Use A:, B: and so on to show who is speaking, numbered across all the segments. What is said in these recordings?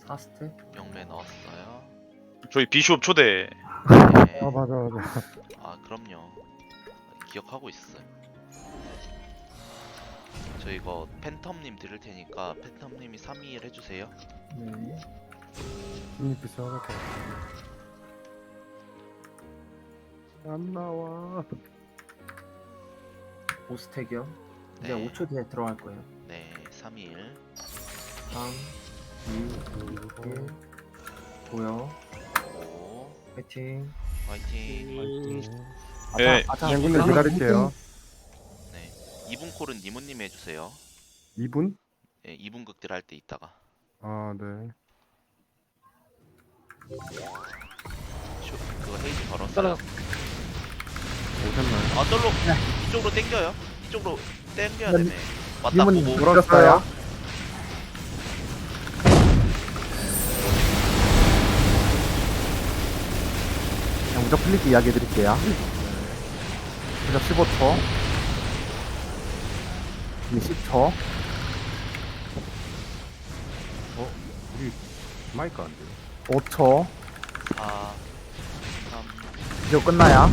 A: 4스택?
B: 영매 넣었어요.
C: 저희 비숍 초대.
B: 네.
D: 맞아 맞아.
B: 아 그럼요. 기억하고 있어요. 저 이거 팬텀님 드릴 테니까 팬텀님이 321 해주세요.
A: 네.
D: 이미 비싸할 것 같아. 안 나와.
A: 5스택이요? 이제
B: 네.
A: 5초 뒤에 들어갈 거예요.
B: 네, 321.
A: 3, 2, 1. 보여.
B: 5.
A: 파이팅.
B: 화이팅.
C: 네.
D: 양군님 기다릴게요.
B: 네. 2분 콜은 니모님이 해주세요.
D: 2분?
B: 네, 2분 극딜 할 때 있다가.
D: 아 네.
B: 그거 헤이즈 걸었어요.
D: 오셨나요?
B: 아, 절로 이쪽으로 당겨요. 이쪽으로 당겨야 되네. 맞다
E: 니모님
B: 보고.
E: 물었어요. 그냥 무적 플리기 이야기 해드릴게요. 무적 15초. 이제 10초.
D: 우리 마이크 안 돼요.
E: 5초.
B: 4, 3,
E: 이제 끝나야.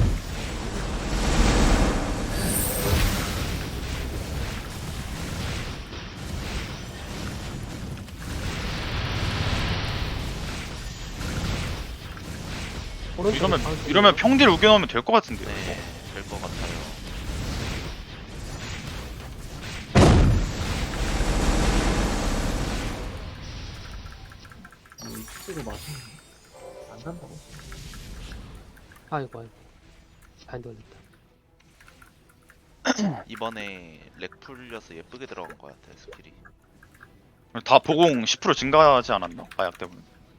C: 이러면 평딜 우겨놓으면 될 것 같은데요.
B: 네, 될 것 같아요.
A: 이 치즈를 맞으면 안 간다고.
F: 아이고 아이고 반대 올렸다.
B: 이번에 렉 풀려서 예쁘게 들어간 것 같아요, 스킬이.
C: 다 보공 10% 증가하지 않았나? 마약 때문에.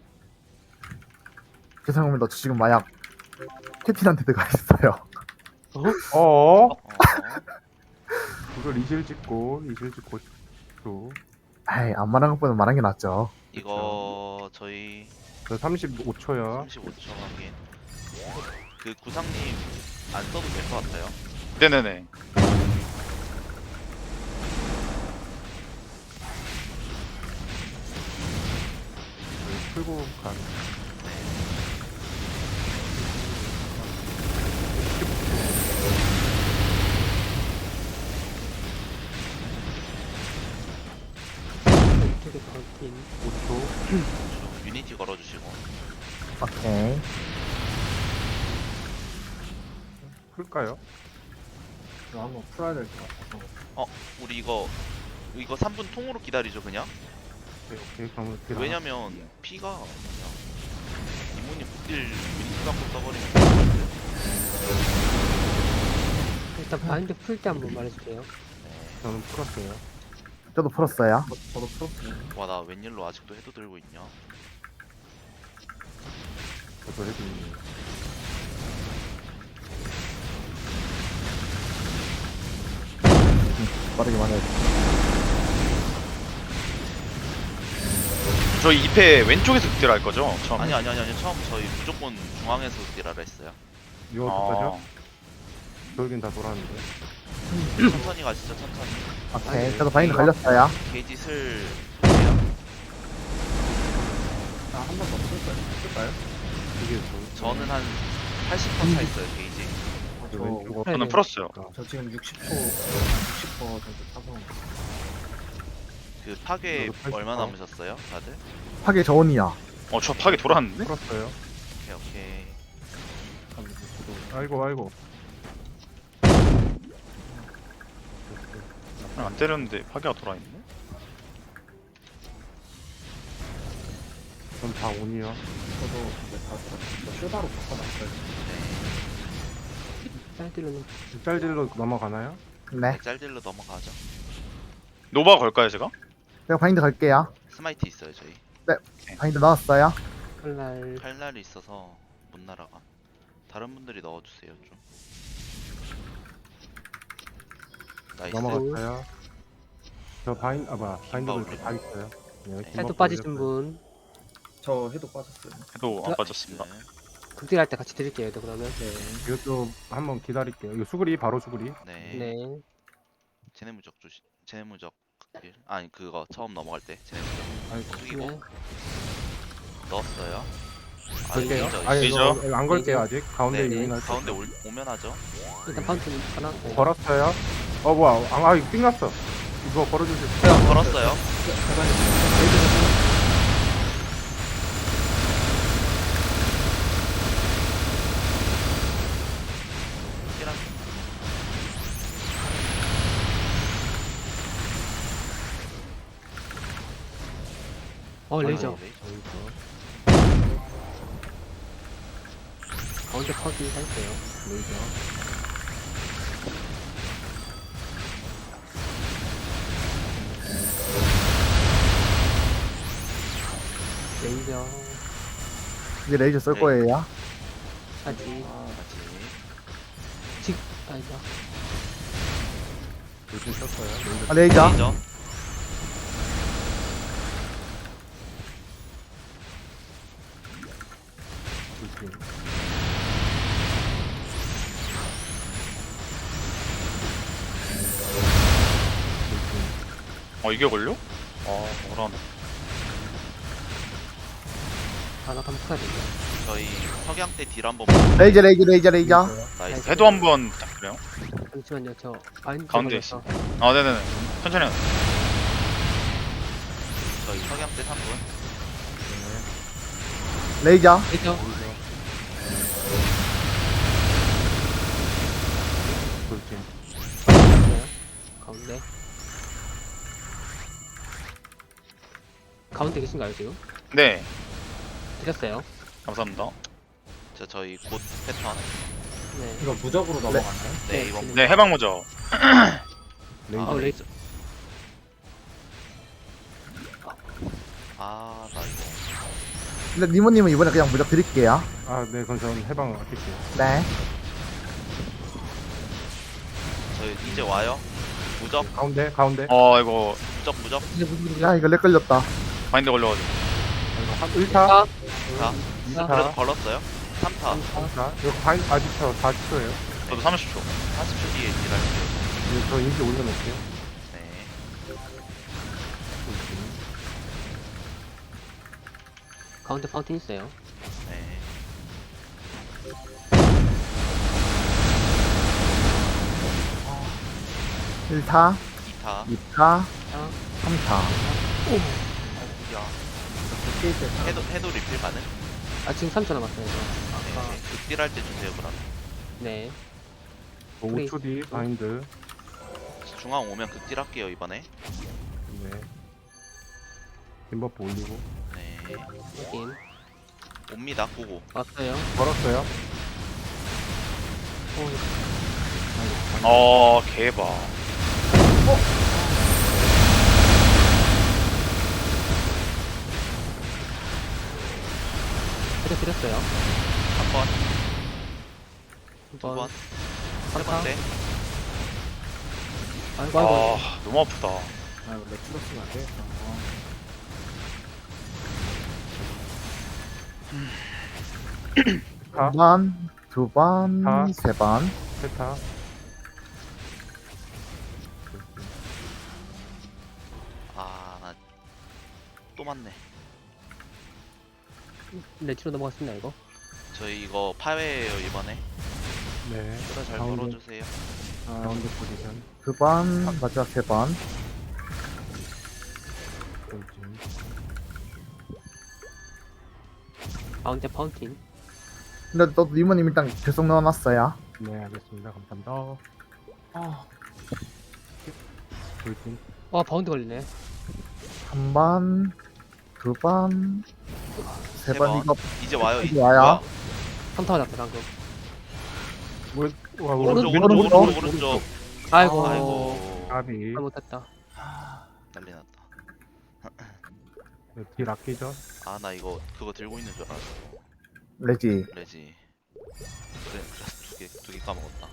E: 죄송합니다. 저 지금 마약 캡틴한테 들어가 있어요.
D: 어?
B: 어,
D: 이거 리실 찍고 또.
E: 에이, 안 말한 것보다 말한 게 낫죠.
B: 이거 저희
D: 저 35초야.
B: 35초 확인. 그 구상님 안 써도 될 것 같아요.
C: 네네네.
D: 풀고 간.
F: 되게 걸긴.
D: 5초.
B: 유니티 걸어주시고.
E: 오케이.
D: 풀까요?
A: 이거 한번 풀어야 될 것 같아서.
B: 우리 이거 3분 통으로 기다리죠 그냥.
D: 오케이. 그럼 어떻게
B: 왜냐면 피가 그냥 이모님 극딜 유니티 갖고 써버리면 될것 같아요.
F: 일단 바인드 풀 때 한번 말해주세요.
D: 저는 풀었어요.
E: 저도 풀었어요.
A: 저도 풀었어요.
B: 와, 나 웬일로 아직도 해도 들고 있냐?
D: 저도 해도 있네요.
E: 빠르게 말해야 돼.
C: 저희 2패 왼쪽에서 극딜 할 거죠? 처음.
B: 아니 처음 저희 무조건 중앙에서 극딜하라 했어요.
D: 이거 어떡하죠? 저긴 다 돌았는데.
B: 천천히 가시죠 천천히.
E: 오케이. 저도 바인드 걸렸어요.
B: 게이지 슬 보세요.
A: 한 번 더 풀까요?
D: 이게
B: 저는 한 80%차 있어요 게이지.
D: 저 왼쪽
C: 저는
F: 네.
C: 풀었어요.
A: 저 지금 60% 정도 타서.
B: 그 파괴
D: 저도 80%.
B: 얼마 남으셨어요 다들?
E: 파괴 저온이야.
C: 저 파괴 돌아왔는데?
D: 풀었어요.
B: 오케이.
D: 아이고.
C: 안 때렸는데 파괴가 돌아있네?
D: 전 다 온이요.
A: 저도 이제 다 들었어요. 쇼다로 바꿔놨어요.
F: 사이드로는
D: 짤질로 넘어가나요?
E: 네.
B: 짤딜로 넘어가죠.
C: 노바 걸까요 제가?
E: 제가 바인드 걸게요.
B: 스마이트 있어요 저희.
E: 바인드 넣었어요.
F: 칼날
B: 칼날이 있어서 못 날아가. 다른 분들이 넣어주세요 좀. 나이스.
D: 넘어갔어요. 저 바인드
B: 올리고.
D: 다 있어요. 네,
B: 네.
F: 해도 빠지신 분
A: 저 해도 빠졌어요.
C: 해도 안 빠졌습니다.
F: 극딜할 때 같이 드릴게요. 그러면
A: 네.
D: 이것도 한번 기다릴게요. 이거 수그리 바로 수그리.
B: 네.
F: 네.
B: 제네무적 조심. 제네무적 극딜. 아니 그거 처음 넘어갈 때 제네무적.
D: 아이고.
B: 숙이고.
F: 네.
B: 넣었어요. 아,
D: 걸게요.
B: 레이저.
D: 아니
C: 레이저.
D: 이거 안 걸게요 아직. 가운데
B: 네,
D: 유인할 때.
B: 가운데 오면 하죠.
F: 일단 파운틴 하나. 네.
D: 걸었어요. 뭐야? 이거 삥 났어. 이거 걸어주세요.
B: 걸었어요. 힐한
F: 레이저.
B: 레이저.
F: 가운데 파운틴 살게요.
D: 레이저.
F: 레이저.
E: 이제 레이저 쓸
B: 네.
E: 거예요.
F: 아직.
B: 같이.
F: 아니다.
D: 요즘 썼어요. 레이저.
E: 레이저.
B: 레이저.
D: 조심.
C: 이게 걸려? 뭐라네.
F: 하나 감싸야 되죠.
B: 저희 석양 때 딜 한번
E: 레이저 레이저.
B: 나이스.
C: 해도 한번 부탁드려요.
F: 잠시만요. 저 바인드
C: 가운데
F: 걸려서.
C: 네네네. 천천히 하세요.
B: 저희 석양 때 3분.
E: 레이저.
F: 레이저.
D: 조심.
F: 가운데. 가운데 계신가요 지금?
C: 네.
F: 드렸어요.
C: 감사합니다.
B: 저희 곧 패턴.
F: 네.
A: 이거 무적으로 넘어가나요?
B: 네, 이번
C: 네, 해방 모저.
D: 레이저.
F: 레이저.
B: 아, 나 이거.
E: 근데 니모님은 이번에 그냥 무적 드릴게요.
D: 네, 그럼 저는 해방 아낄게요.
E: 네.
B: 저희 이제 와요. 무적,
D: 가운데.
C: 이거
B: 무적.
E: 야 이거 렉 걸렸다.
C: 바인드 걸려가지고.
D: 한 1타,
B: 자,
D: 2타,
B: 그래도 걸었어요. 3타.
D: 3타. 이거 바인 아직 40초예요.
C: 저도 30초.
B: 40초 뒤에 딜할게요.
D: 저 인지 올려놓을게요.
B: 네.
F: 가운데 파운틴 있어요.
B: 네.
E: 일타
B: 2타.
E: 2타, 3타.
B: 야,
A: 게임 때
B: 해도 리필 가능?
F: 지금 3초 남았어요. 저. 아까.
B: 네. 극딜할 때 주세요, 그럼.
F: 네.
D: 5초 뒤 바인드.
B: 중앙 오면 극딜 할게요, 이번에.
D: 네. 김버프 올리고.
B: 네.
F: 확인.
B: 옵니다, 고고.
F: 왔어요.
D: 걸었어요.
C: 개바.
F: 드렸어요.
B: 한 번,
F: 두
B: 두 번,
F: 번.
B: 세 번째.
F: 아이고 아이고.
C: 너무 아프다.
A: 이거 렉 찍었으면 안 되겠다.
D: 타,
E: 한 번, 두 번,
D: 타.
E: 세 번.
D: 세타.
B: 아, 나 또 맞네.
F: 레지로 넘어갔습니다 이거.
B: 저희 이거 파회예요, 이번에.
D: 네.
B: 그래, 잘
D: 가운데.
B: 걸어주세요.
D: 가운데 포지션.
E: 두 번, 마지막 세 번.
D: 조심.
F: 가운데 파운틴.
E: 근데 또 니모님 일단 계속 넣어놨어요.
D: 네, 알겠습니다. 감사합니다. 조심.
F: 바운드 걸리네.
E: 한 번, 두 번, 세
B: 세
E: 번.
B: 번.
E: 이거
B: 이제 와요,
E: 이제 와요.
F: 3타 맞았어 방금.
D: 와,
B: 오른쪽,
E: 오른쪽,
B: 오른쪽,
E: 오른쪽.
B: 오른쪽.
F: 아이고.
B: 아이고.
D: 까비.
F: 잘못했다.
B: 난리 났다.
D: 딜 아끼죠?
B: 아, 나 이거 그거 들고 있는 줄 알았어.
E: 레지.
B: 레지. 그래, 그래서 두 개 까먹었다.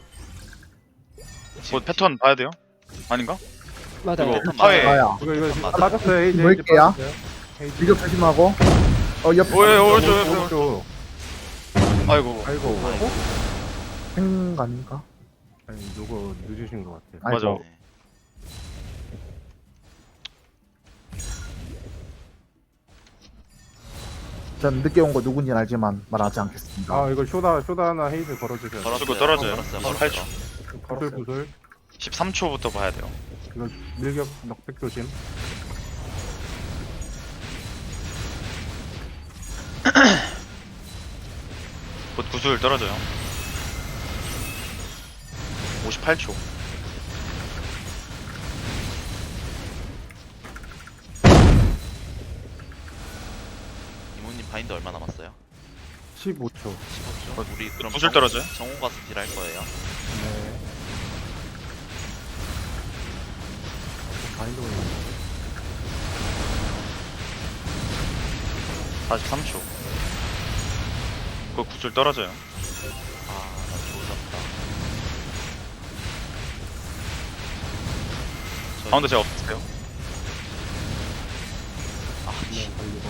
C: 패턴 봐야 돼요? 아닌가?
F: 맞아.
C: 이거
B: 패턴
C: 파회.
B: 맞아요.
E: 와요.
B: 패턴 맞아요.
D: 맞았어요. 헤이즈.
E: 뭘게요?
D: 헤이즈.
E: 비교 조심하고. 옆에.
C: 오른쪽. 아이고.
D: 아이고.
B: 아이고.
E: 생간인가?
D: 아니, 누구 늦으신 것 같아요.
E: 아이고.
C: 맞아.
B: 네.
E: 전 늦게 온 거 누군지는 알지만 말하지 않겠습니다.
D: 아 이거 쇼다나 헤이즈 걸어주세요.
C: 이거 떨어져요.
B: 걸었어요.
C: 18초.
D: 구슬 구슬.
C: 13초부터 봐야 돼요.
D: 이거 밀격 넉백 조심.
C: 곧 구슬 떨어져요. 58초.
B: 이모님 바인드 얼마 남았어요?
D: 15초.
B: 15초. 우리 그럼
C: 구슬 떨어져요?
B: 정호 가서 딜할 거예요.
D: 네. 바인드 올려.
C: 43초. 그 구슬 떨어져요.
B: 아나 조졌다.
C: 가운데 제가 없을게요.
B: 아
D: 네,
B: 씨.
D: 걸리고.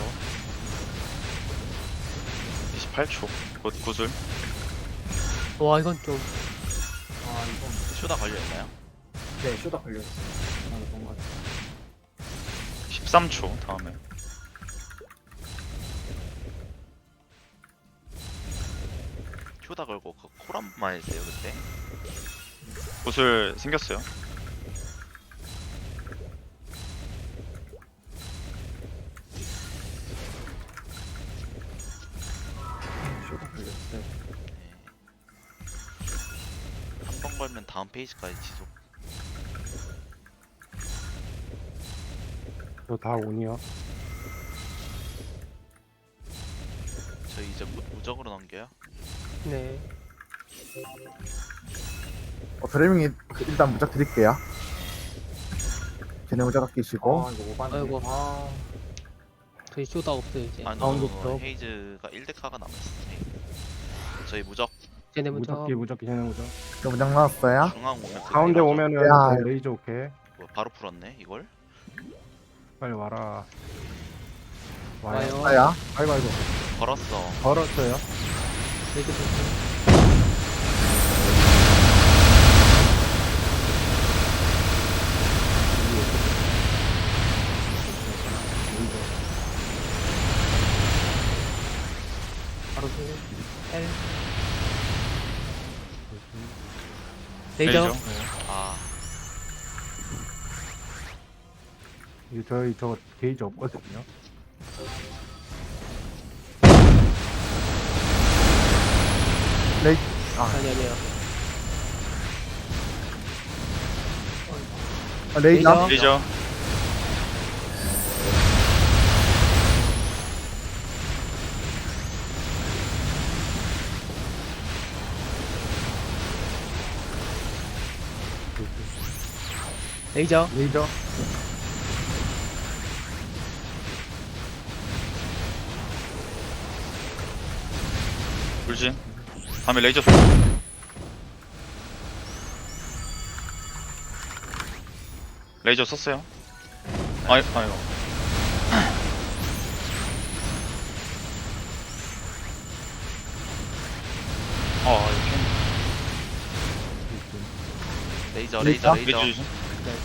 C: 28초. 곧 구슬.
F: 와 이건 좀
A: 아 이건
B: 쇼다 걸려있나요?
A: 네 쇼다 걸려있어요. 아 뭔가
C: 13초 다음에.
B: 쇼다 걸고 그 콜 한 번만 해주세요 그때.
C: 구슬 생겼어요.
A: 쇼다 걸렸어요.
B: 한 번 걸면 다음 페이지까지 지속.
D: 저다 온이요.
B: 저희 이제 무적으로 넘겨요.
F: 네.
E: 드레밍이 일단 무작 드릴게요. 걔네 무작 아끼시고
A: 아 이거 오반데.
F: 아이고.
A: 아
F: 저희 쇼다 없어요 이제.
B: 아니
F: 가운데부터
B: 헤이즈가 1데카가 남아있어요. 저희 무적
F: 쟤네 먼저.
D: 무적기 쟤네 무적.
E: 저 무작 나왔어요.
B: 중앙 오면 그
D: 가운데
B: 레이저.
D: 오면은
E: 야,
D: 그 레이저 오케이.
B: 뭐 바로 풀었네 이걸.
D: 빨리 와라. 와요.
F: 와요.
E: 아야.
D: 아이고 아이고.
B: 걸었어.
D: 걸었어요.
F: 레이저 먼저. 바로 그 L. 레이저.
C: 레이저.
B: 아
D: 이거 저희 저 게이지 없거든요.
E: 레이
F: 아니요.
E: 레이저.
C: 레이저.
F: 레이저.
D: 레이저.
C: 불진. 다음에 레이저. 레이저 썼어요. 아이고. 이렇게.
B: 레이저
E: 레이저?
B: 레이저.
C: 레이저 주심.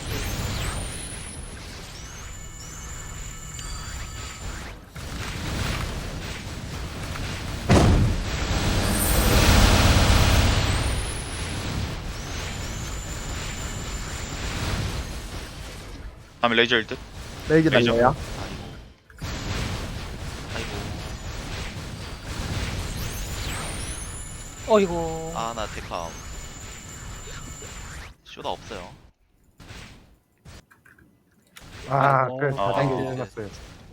C: 다음에 레이저일 듯.
E: 레이저
C: 레이저.
E: 날려요.
B: 아이고.
F: 어이구.
B: 아나 데카. 쇼다 없어요.
D: 아,
F: 아이고.
D: 그래 다
C: 아.
D: 당겨 끝났어요.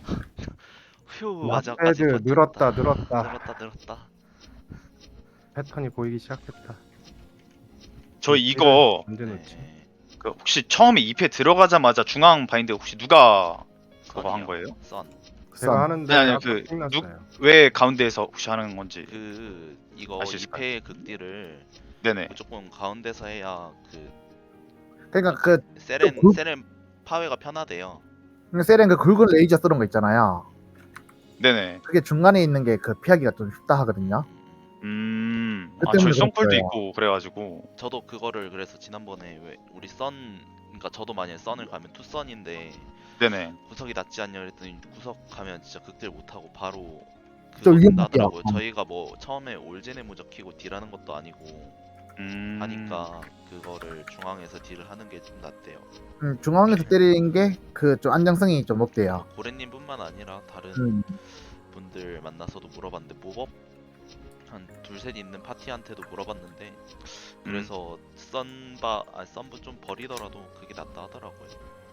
B: 휴 마지막까지
D: 라페드
B: 버텼다.
D: 늘었다.
B: 늘었다.
D: 패턴이 보이기 시작했다.
C: 저 이거
D: 언제 넣지?
B: 네.
C: 그 혹시 처음에 2패 들어가자마자 중앙 바인드 혹시 누가 그거 한 거예요?
B: 선.
D: 제가 하는데
C: 아니,
D: 아까
C: 그
D: 끝났어요.
C: 왜 가운데에서 혹시 하는 건지.
B: 그 이거
C: 알수 있을까요?
B: 2패 극딜을
C: 네네.
B: 무조건 가운데서 해야 그
E: 그러니까 그
B: 세렌 파웨가 편하대요.
E: 세렌 그 굵은 레이저 쓰는 거 있잖아요.
C: 네네.
E: 그게 중간에 있는 게 그 피하기가 좀 쉽다 하거든요.
C: 아
E: 때문에
C: 저희 썬풀도
E: 그랬어요.
C: 있고 그래가지고.
B: 저도 그거를 그래서 지난번에 왜 우리 그러니까 저도 만약에 썬을 가면 투썬인데
C: 네네.
B: 구석이 낫지 않냐 그랬더니 구석 가면 진짜 극딜 못하고 바로
E: 좀
B: 그건
E: 위험할게요.
B: 나더라고요. 저희가 뭐 처음에 올제네 무적 키고 딜하는 것도 아니고 하니까 그거를 중앙에서 딜을 하는 게 좀 낫대요.
E: 중앙에서 때리는 게 그 좀 안정성이 좀 높대요.
B: 고래님뿐만 아니라 다른
E: 음.
B: 분들 만나서도 물어봤는데 모법 한 둘셋 있는 파티한테도 물어봤는데 그래서 썬부 좀 버리더라도 그게 낫다 하더라고요.